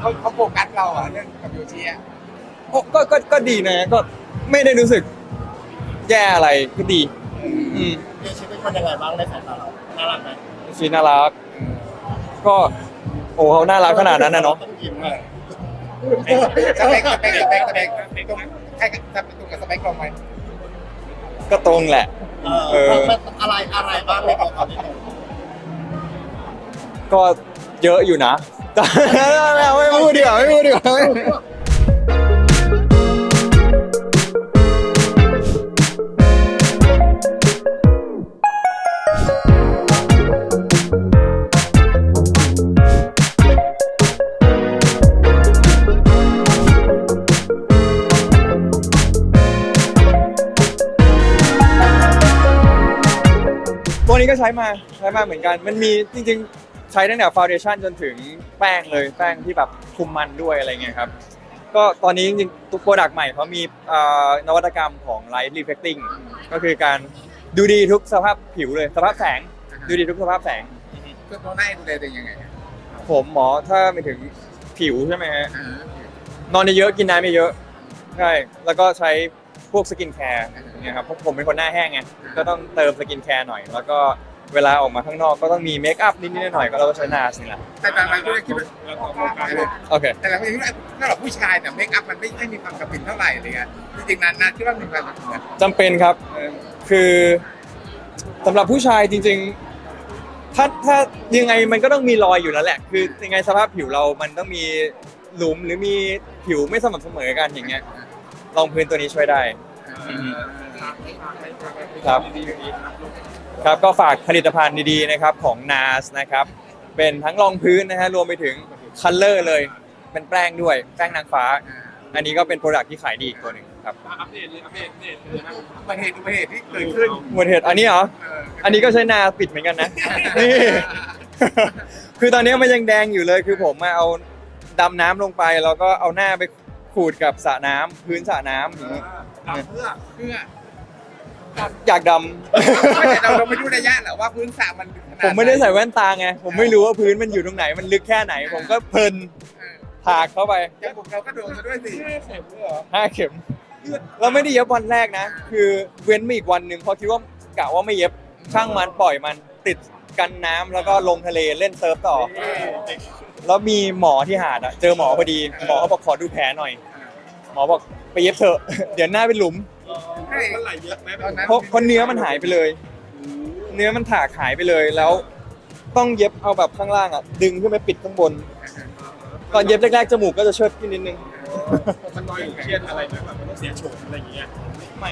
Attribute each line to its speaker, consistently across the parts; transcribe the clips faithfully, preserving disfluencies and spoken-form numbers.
Speaker 1: เขาเขาโฟกัสเราอะเรื่องกับโยชิอะ
Speaker 2: โอ้ก็ก็ก็ดีนะก็ไม่ได้รู้สึกแย่อะไรก็ดีอืม
Speaker 3: โยชิเป็นคนยังไงบ้างในสายตาเราน่ารักไหม
Speaker 2: ชีน่ารักก็โอ้เขาน่ารักขนาดนั้นนะเนาะ
Speaker 3: ต้องยิ้ม
Speaker 1: เอ
Speaker 3: อะ
Speaker 1: อสเปคสเปคสเปคสเปคตรงใครจะตรงกับสเปคเราไหม
Speaker 2: ก็ตรงแหละ
Speaker 3: เอ
Speaker 2: เออ
Speaker 3: อมันอะไรอะไรบ้างในตัวเขาที่ตรง
Speaker 2: ก็เยอะอยู่นะแต่ไม่พูดดีกว่าไม่พูดดีกว่าตัวนี้ก็ใช้มาใช้มาเหมือนกันมันมีจริงๆใช้ตั้งแต่ฟาวเดชั่นจนถึงแป้งเลยแป้งที่แบบคุมมันด้วยอะไรเงี้ยครับก็ตอนนี้จริงๆตัวโปรดักต์ใหม่เขามีเอ่อนวัตกรรมของ Light Reflecting ก็คือการดูดีทุกสภาพผิวเลยสภาพแสงดูดีทุกสภาพแสง
Speaker 1: คือตัวหน้าดูแลตัวเองยังไงอะ
Speaker 2: ผมหมอถ้าไปถึงผิวใช่ไหมฮะ
Speaker 1: เออน
Speaker 2: อนเยอะๆกินน้ำเยอะๆใช่แล้วก็ใช้พวกสกินแคร์เนี่ยครับเพราะผมเป็นคนหน้าแห้งไงก็ต้องเติมสกินแคร์หน่อยแล้วก็เวลาออกมาข้างนอกก็ต้องมีเมคอัพนิดๆหน่อยๆก็เราก็ใช้นาสนี่แหละ
Speaker 1: แต่บางรายก็คิดว่า
Speaker 2: โอเค
Speaker 1: แต่เราคิดว่าสำหรับผู้ชายเนี่ยเมคอัพมันไม่ไม่มีความจำเป็นเท่าไหร่เลยอะจริงๆนานนานคิดว่ามีความจำเป็น
Speaker 2: จำเป็นครับคือสำหรับผู้ชายจริงๆ ถ้าถ้ายังไงมันก็ต้องมีรอยอยู่แล้วแหละ คือยังไงสภาพผิวเรามันต้องมีหลุมหรือมีผิวไม่สม่ำเสมอกันอย่างเงี้ยรองพื้นตัวนี้ช่วยได้ ครับ ครับก็ฝากผลิตภัณฑ์ดีๆนะครับของ นา เอ เอส นะครับเป็นทั้งรองพื้นนะฮะรวมไปถึงคัลเลอร์เลยเป็นแป้งด้วยแป้งนางฟ้า อันนี้ก็เป็นโปรดักที่ขายดีอีกตัวหนึ่งครับ
Speaker 1: อัปเดตเลยอัปเดตอัปเดตเลยนะอุบัติเหตุอุบัติเหตุที่เกิดขึ้น
Speaker 2: หมดเหตุอันนี้เหรอ
Speaker 1: เออ
Speaker 2: อันนี้ก็ใช้นาปิดเหมือนกันนะ นี่ คือตอนนี้มันยังแดงอยู่เลย คือผมมาเอาดำน้ำลงไปแล้วก็เอาหน้าไปขูดกับสระน้ำพื้นสระน้ำอย่างนี้
Speaker 1: ดำเพื่อเพื่อ
Speaker 2: อยากด
Speaker 1: ไม่แต่เราเราไม่รู้ระยะหรอกว่าพื้นสระมันขนาด
Speaker 2: ำ ผมไม่ได้ใส่แว่นตาไง ผมไม่รู้ว่าพื้นมันอยู่ตรงไหน มันลึกแค่ไหน ผมก็เพลิน
Speaker 1: เออ
Speaker 2: ถากเข้าไป
Speaker 1: จมูกเราก็โดนซะด้วยสิเข็มเหรอ
Speaker 2: ห้าเข็มเราไม่ได้เย็บวันแรกนะ คือเว้นมาอีกวันหนึ่งเพราะคิดว่ากะว่าไม่เย็บช่างมันปล่อยมันติดกันน้ำแล้วก็ลงทะเลเล่นเซิร์ฟต่อ แล้วมีหมอที่หาดอะเจอหมอพอดี หมอเขาบอกขอดูแผลหน่อย หมอบอกไปเย็บเถอะ เดี๋ยวหน้าเป็นหลุม
Speaker 1: มันไหลเยอะไหมตอนนั้น
Speaker 2: เพราะเพราะเนื้อมันหายไปเลย เนื้อมันถากหายไปเลยแล้ว ต้องเย็บเอาแบบข้างล่างอะดึงขึ้นไปปิดข้างบน ตอนเย็บแรกๆจมูกก็จะเชิดขึ้นนิดนึง
Speaker 4: มันน้อยเครียดอะไรไหมแบบมันต้องเสียโฉมอะไรอย่างเงี้ย
Speaker 2: ไม่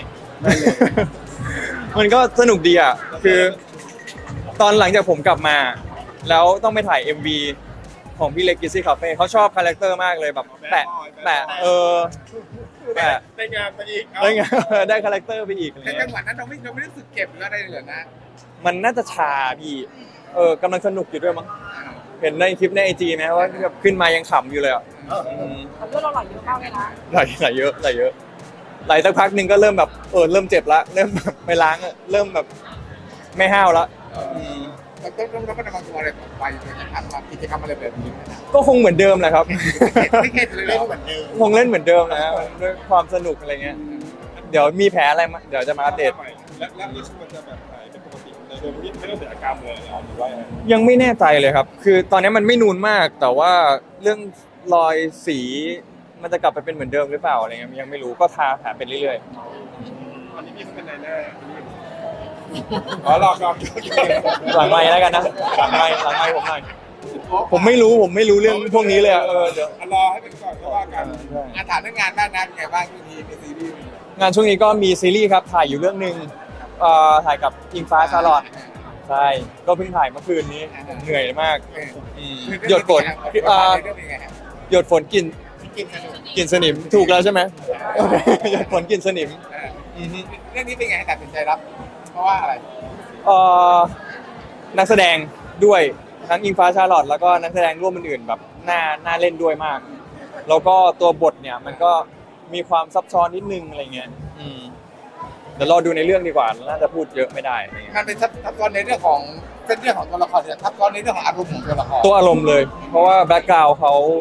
Speaker 2: มันก็สนุกดีอ่ะ คือ ตอนหลังจากผมกลับมา แล้วต้องไปถ่าย เอ็ม วี ของพี่เล็กกิซี่คาเฟ่เขาชอบคาแรคเตอร์มากเลยแบบแปะแปะเออแปะ
Speaker 4: ได้งานไปอีก
Speaker 2: ได้ไง ได้คาแรคเตอร์ไปอีกอะไร
Speaker 1: แต่จั
Speaker 2: เงี้
Speaker 1: ง
Speaker 2: ย
Speaker 1: หวะนั้นเราไม่เราไม่รู้สึกเจ็บหรืออะไรเลยเหรอนะ
Speaker 2: มันน่าจะชาพี่ เออกำลังสนุกอยู่ด้วยมั้ง เห็นในคลิปในไอจีไหมว่าแบบขึ้นมายังขำอยู่เลยอ่ะอืม
Speaker 5: เลือดเราไหลเยอะมากเลยนะ
Speaker 2: ไหลไหลเยอะไหลเยอะไหลสักพักหนึ่งก็เริ่มแบบเออเริ่มเจ็บละเริ่มแบบไปล้างอะเริ่มแบบไม่ห้าวละอืม
Speaker 1: เราต้องเราก็จะมาตัวอะไรต่อไปเราจะทำกิจกรรมอะไรแบบนี้นะ
Speaker 2: ก็คงเหมือนเดิมแหละครับ
Speaker 1: ไม่เข็ดเลยเหร
Speaker 3: เล่น
Speaker 1: อ
Speaker 3: เหมือนเดิม
Speaker 2: คงเล่นเหมือนเดิมนะด้วยความสนุกอะไรเงี้ย เดี๋ยวมีแผลอะไรมาเดี๋ยวจะมาอัปเดต
Speaker 4: แล้วแล้วนี่มันจะแบบหายเป็นปกติเลยโดยที่ไม่ต้องเสียอาการเลยเหรอหรือว่ายังไง
Speaker 2: ยังไม่แน่ใจเลยครับ คือตอนนี้มันไม่นูนมาก แต่ว่าเรื่องรอยสีมันจะกลับไปเป็นเหมือนเดิมหรือเปล่าอะไรเงี้ยยังไม่รู้ก็ทาแผลไปเรื่อย
Speaker 4: อันนี้พี่เขาเป็นนายหน้าอ๋อหลอกหลอก
Speaker 2: ๆ หลังไม้แล้วกันนะหลังไม้หลังไม้ผมหน่อยผมไม่รู้ผมไม่รู้เรื่องพวกนี้เลยอะเออเดี๋ยว
Speaker 1: รอให้เป็นก่อนก็ว่ากันงานถามเรื่องงานบ้างนะเป็นไงบ้างที่ทีในซีรีส์
Speaker 2: งานช่วงนี้ก็มีซีรีส์ครับถ่ายอยู่เรื่องหนึ่งเอ่อถ่ายกับอิงฟ้าชาลอตใช่ก็เพิ่งถ่ายเมื่อคืนนี้เหนื่อยมากอืมหยดฝนเอ่อ
Speaker 1: เรื่องเป็นไงฮะ
Speaker 2: หยดฝนกลิน
Speaker 3: กินสนุก
Speaker 2: กลินสนิมถูกแล้วใช่ไหมโอเคหยดฝนกลินสนิม
Speaker 1: เออ
Speaker 2: อือฮึ
Speaker 1: เรื่องนี้เป็นไงตัดสินใจรับ เพราะว่าอะไร
Speaker 2: เอ่อนักแสดงด้วยทั้งอิงฟ้าชาลอตแล้วก็นักแสดงร่วมอื่นๆแบบน่าน่าเล่นด้วยมาก แล้วก็ตัวบทเนี่ยมันก็มีความซับซ้อนนิดนึงอะไรเงี้ยอืมเดี๋ยวรอดูในเรื่องดีกว่าน่าจะพูดเยอะไม่ได้อะไรเงี้ย
Speaker 1: มันเป็นทับทับซ้อนในเรื่องของเส้นเรื่องของตัวละครเนี่ยทับซ้อนในเรื่องของอารมณ์ของตัวละคร
Speaker 2: ตัวอารมณ์เลย เพราะว่าแบ็กกราวด์เขา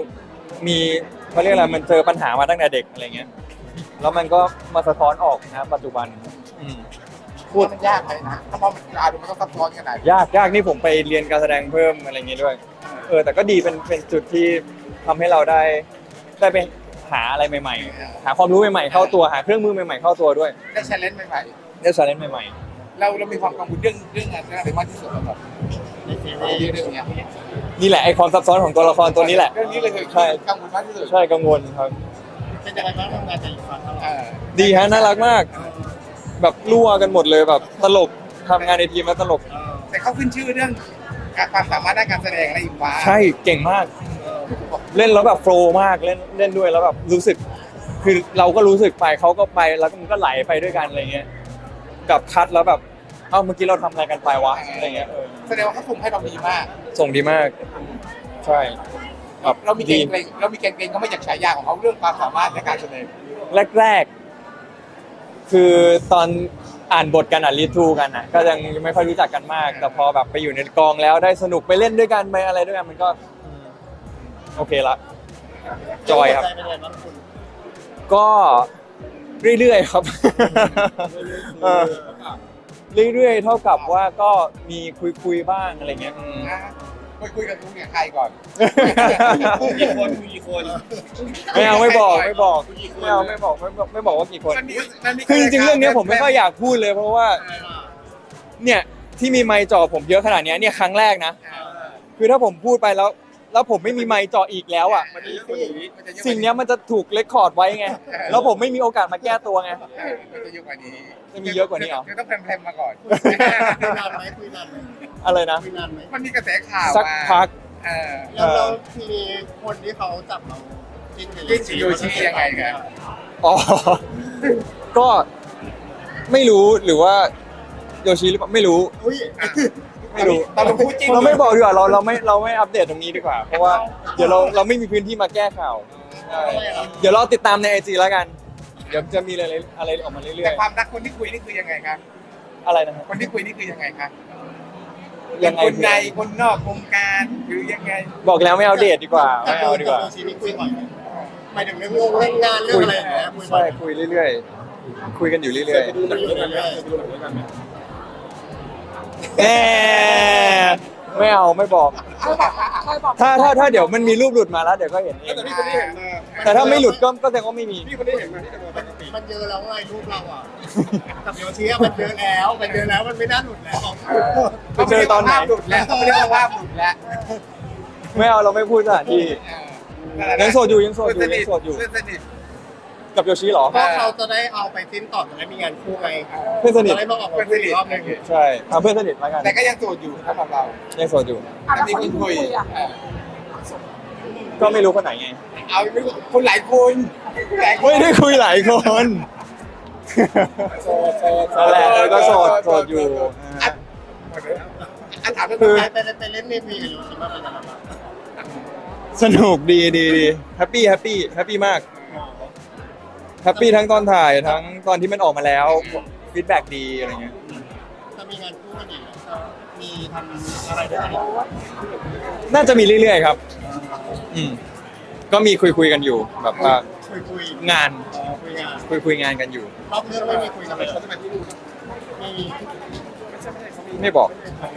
Speaker 2: มีเขาเรียกอะไรมันเจอปัญหามาตั้งแต่เด็กอะไรเงี้ยแล้วมันก็มาสะท้อนออกนะปัจจุบันอืม
Speaker 1: พูดมันยากไหมนะถ้ามองมันอ่านดูมันต้องซับซ้อนขนาด
Speaker 2: ยากยากนี่ผมไปเรียนการแสดงเพิ่มอะไรเงี้ยด้วยเออแต่ก็ดีเป็นเป็นจุดที่ทำให้เราได้ได้ไปหาอะไรใหม่ๆหาความรู้ใหม่ๆเข้าตัวหาเครื่องมือใหม่ๆเข้าตัวด้วย
Speaker 1: ได้แชร์เลนจ์ใหม่
Speaker 2: ได้ชาเลนจ์ใหม่
Speaker 1: ๆเราเรามีความกังวลเรื่องเรื่องอะไรมากที่สุดสำหรับ
Speaker 3: ในซีรีส์
Speaker 1: เรื่องเนี้ย
Speaker 2: ๆนี่แหละไอความซับซ้อนของตัวละครตัวนี้แหละ
Speaker 1: เรื่องนี้เลยคือ
Speaker 2: ใช่
Speaker 1: กังวลมากที่สุด
Speaker 2: ใช่กังวลครับ
Speaker 3: เป็นยังไงบ้างทำงานกับอีกฝ่ายเท่าไห
Speaker 1: เอ
Speaker 3: ร่
Speaker 1: อ
Speaker 2: ดีฮะน่ารักมาก แบบรั่วกันหมดเลยแบบตลกทำงานในทีมแล้วตลก
Speaker 3: เออ
Speaker 1: แต่เขาขึ้นชื่อเรื่องความสามารถด้านการแสดงอะไรอีกว่า
Speaker 2: ใช่เก่งมาก เล่นแล้วแบบโฟลว์มากเล่นเล่นด้วยแล้วแบบรู้สึก คือเราก็รู้สึกไปเขาก็ไปแล้วมันก็ไหลไปด้วยกันอะไรเงี้ยกับคัดแล้วแบบเอ้าเมื่อกี้เราทำอะไรกันไปวะอะไรเงี้ยเออ
Speaker 1: แสดงว่าเขาคุมให้เราดีมาก
Speaker 2: ส่งดีมาก ใช่แบบ
Speaker 1: เรามีเกร
Speaker 2: ดี
Speaker 1: งเกรงเรามีเกรงเกรงเขาไม่อยากฉายาของเขาเรื่องความสามารถในการแสดง
Speaker 2: แรกๆ คือตอนอ่านบทกันอ่ะรีทูกันอ่ะ ก็ยังไม่ค่อยรู้จักกันมาก แต่พอแบบไปอยู่ในกองแล้วได้สนุกไปเล่นด้วยกันไปอะไรด้วยกันมันก็อืมโอเคละ จอยครับ
Speaker 3: ใจเป็นยังไงบ้างคุณ
Speaker 2: ก็เรื่อยๆครับ เออเรื่อยๆ เท่ากับว่าก็มีคุยๆบ้างอะไรเงี้ยอืม
Speaker 1: นะคุยคุยกับคุณกับใครก่อน
Speaker 4: กี่คนคุยกี่คน
Speaker 2: ไม่เอาไม่บอกไม่บอกไม่เอาไม่บอกไม่บอกไม่บอกว่ากี่คน
Speaker 1: มันมีมันมี
Speaker 2: คือจริงๆเรื่องเนี้ยผมไม่ค่อยอยากพูดเลยเพราะว่า
Speaker 3: อะไรล่ะ
Speaker 2: เนี่ยที่มีไมค์จ่อผมเยอะขนาดเนี้ยเนี่ยครั้งแรกนะ
Speaker 1: เออ
Speaker 2: คือถ้าผมพูดไปแล้ว แล้วผมไม่มีไมค์จ่ออีกแล้วอ่ะ
Speaker 1: มันจะเยอะกว่านี้มันจะเยอะกว่า
Speaker 2: สิ่งเนี้ยมันจะถูกเรคคอร์ดไว้ไงแล้วผมไม่มีโอกาสมาแก้ตัวไง
Speaker 1: เออมันจะเยอะกว่านี้
Speaker 2: จะมีเยอะกว่านี้เหรอ
Speaker 1: คือต้องแพรมๆมาก่อน
Speaker 3: คุยนานไหมคุยนานไหม
Speaker 2: อะไรนะ
Speaker 3: คุยนานไหม
Speaker 1: มันมีกระแสข่าว
Speaker 2: สัก
Speaker 1: มา
Speaker 2: พัก
Speaker 1: เออ
Speaker 3: แล้วเราทีนี้คนที่เขาจับเราจิ้นกัน
Speaker 1: จิ้นกับโยชิยังไงครับ
Speaker 2: อ๋อ ก็ไม่รู้หรือว่าโยชิหรือเปล่าไม่รู้
Speaker 3: อุ้ย
Speaker 2: ไม่รู้
Speaker 1: เราลงพูดจริง
Speaker 2: เราไม่บอกดีกว่าเราเราไม่เราไม่อัปเดตตรงนี้ดีกว่า เพราะว่าเดี๋ยวเราเราไม่มีพื้นที่มาแก้ข่าวใช่เดี๋ยวเราติดตามในไอจีแล้วกัน เดี๋ยวจะมีอะไรอะไรออกมาเรื่
Speaker 1: แต่
Speaker 2: อย
Speaker 1: ความรักคนที่คุยนี่คือยังไงครับ
Speaker 2: ๆอะไรนะครับ
Speaker 1: คนที่คุยนี่คือยังไงครับ
Speaker 2: ยังไง
Speaker 1: คนในคนนอกวงการหรือยังไง
Speaker 2: บอกแล้วไม่เอาเดทดีกว่า
Speaker 3: กับ
Speaker 2: ไม่เอาดีกว่า
Speaker 3: โยชินี่คุยบ่อยไหมหมายถึงเรื่องงงเรื่องงานเรื่องอะไรอย่างเงี้ยคุยบ่อ
Speaker 2: ใช่
Speaker 3: ย
Speaker 2: คุยเรื่อยๆคุยกันอยู่เรื่อย
Speaker 4: ดูหนังด้วยกันไหมดูหนังด้วยกันไหม
Speaker 2: ๆแหมไม่เอาไม่บอก ถ้าถ้าถ้าเดี๋ยวมันมีรูปหลุดมาแล้วเดี๋ยวก็เห็นเอง
Speaker 4: แต่พี่คนนี้เห็นมา
Speaker 2: แต่ถ้าไม่หลุดก็ก็แสดงว่าไม่มี
Speaker 4: พี่คนนี้เห็นมาที่จะมาปกติ
Speaker 3: มันเยอะแล้วไงรูปเราอ่ะกับโยชิอะมันเยอะแล้วมันเยอะแล้วมันไม่น่าหลุดแล้ว
Speaker 2: ไปเจอตอนไหน
Speaker 1: ภาพหลุดแล้วเขาไม่ได้ว่าภาพหลุดแล้ว
Speaker 2: ไม่เอาเราไม่พูดสถานที่
Speaker 1: เออ
Speaker 2: ยังโสดอยู่ยังโสดอยู่
Speaker 1: เพื่น
Speaker 2: ยังโสดอยู่
Speaker 1: เพื่อนสนิท
Speaker 2: กับโยชิเหรอ
Speaker 3: เพราะเขาจะได้เอาไปสิ้นต่อจะได้มีงานคู่ไง
Speaker 2: เพื่อนสนิท
Speaker 3: จะได้มาออกมาคุยอีกรอบหนึง
Speaker 2: ใช่เอาเพื่อนสนิทแล้วกัน
Speaker 1: แต่ก็ยังโสดอยู่สำหรับเรา
Speaker 2: ยังโสดอยู่
Speaker 1: อันนี้คนคุยเออ
Speaker 2: ก็ไม่รู้คนไหนไง
Speaker 1: เอาไม่รู้คนหลายคนหลายคน
Speaker 2: ไม่ได้คุยหลายคน
Speaker 1: โสดโสด
Speaker 2: นั่นแหละเออก็โสดโสดอยู่
Speaker 1: อ่ะอ่ะถามเรื่อง
Speaker 2: คือ
Speaker 3: ไปไปไปเล่นเมพีกับโยชิมาเป็นยังไงบ้าง
Speaker 2: สนุกดีดีดีแฮปปี้แฮปปี้แฮปปี้มากแฮปปี้ทั้งตอนถ่ายทั้งตอนที่มันออกมาแล้วฟีดแบ็กดีอะไรเงี้ย
Speaker 3: จะมีงานคู่กันอีกเหรอมีทำอะไรด้วยกันอีก
Speaker 2: น่าจะมีเรื่อยๆครับ อืมก็มีคุยคุยๆกันอยู่ แบบว่า
Speaker 3: คุยคุย
Speaker 2: งาน
Speaker 3: อ๋อคุยงาน
Speaker 2: คุยคุยๆงานกันอยู่
Speaker 3: รอบเรื่องไม่มีคุยกันเลยเขาจะมาที่นู่นไม่มี
Speaker 2: ไม่บอก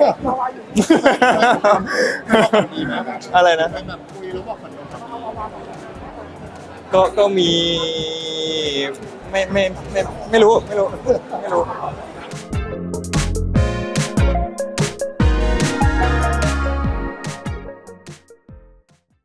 Speaker 3: ดีไหมแบบ
Speaker 2: อะไรนะ
Speaker 3: เป็นแบบคุยแล้วบอกมันโดนทำดี
Speaker 2: ก็ก็มีไม่ไม่ไม่ไม่รู้ไม่รู้ไม่รู้
Speaker 3: เ